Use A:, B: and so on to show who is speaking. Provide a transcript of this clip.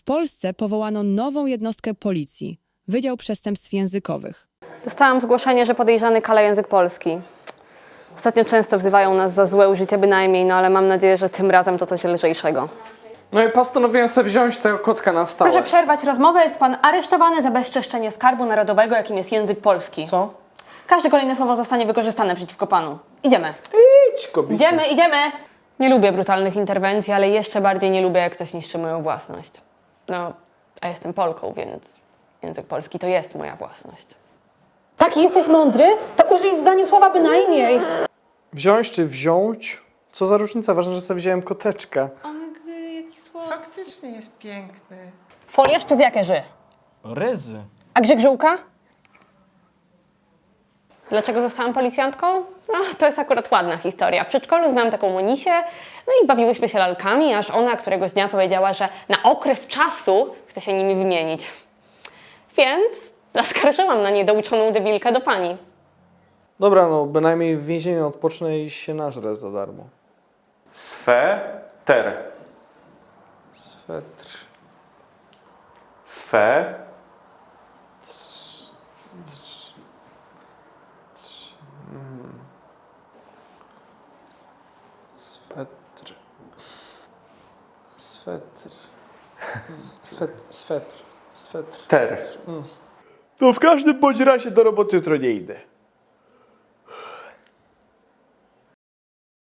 A: Polsce powołano nową jednostkę policji, Wydział Przestępstw Językowych.
B: Dostałam zgłoszenie, że podejrzany kala język polski. Ostatnio często wzywają nas za złe użycie bynajmniej, no ale mam nadzieję, że tym razem to coś lżejszego.
C: No i postanowiłem sobie wziąć tego kotka na stałe.
B: Proszę przerwać rozmowę, jest pan aresztowany za bezczeszczenie skarbu narodowego, jakim jest język polski.
C: Co?
B: Każde kolejne słowo zostanie wykorzystane przeciwko panu. Idziemy.
C: Idź, kobieta.
B: Idziemy! Nie lubię brutalnych interwencji, ale jeszcze bardziej nie lubię, jak ktoś niszczy moją własność. No, a jestem Polką, więc język polski to jest moja własność.
D: Taki jesteś mądry? To użyj w zdaniu słowa bynajmniej.
C: Wziąć czy wziąć? Co za różnica? Ważne, że sobie wziąłem koteczka.
E: Faktycznie jest piękny.
B: Foliarz przez jakie ży?
F: Ryzy.
B: A grzegżółka? Dlaczego zostałam policjantką? No, to jest akurat ładna historia. W przedszkolu znałam taką Monisię, no i bawiłyśmy się lalkami, aż ona któregoś dnia powiedziała, że na okres czasu chce się nimi wymienić. Więc zaskarżyłam na niedouczoną debilkę do pani.
C: Dobra, no bynajmniej w więzieniu odpocznę i się nażrę za darmo.
G: Sweter.
C: Swetr.
G: Swe.
C: Swetr. Swetr. Swetr. Swetr.
G: Ter.
C: No w każdym bądź razie do roboty jutro nie idę.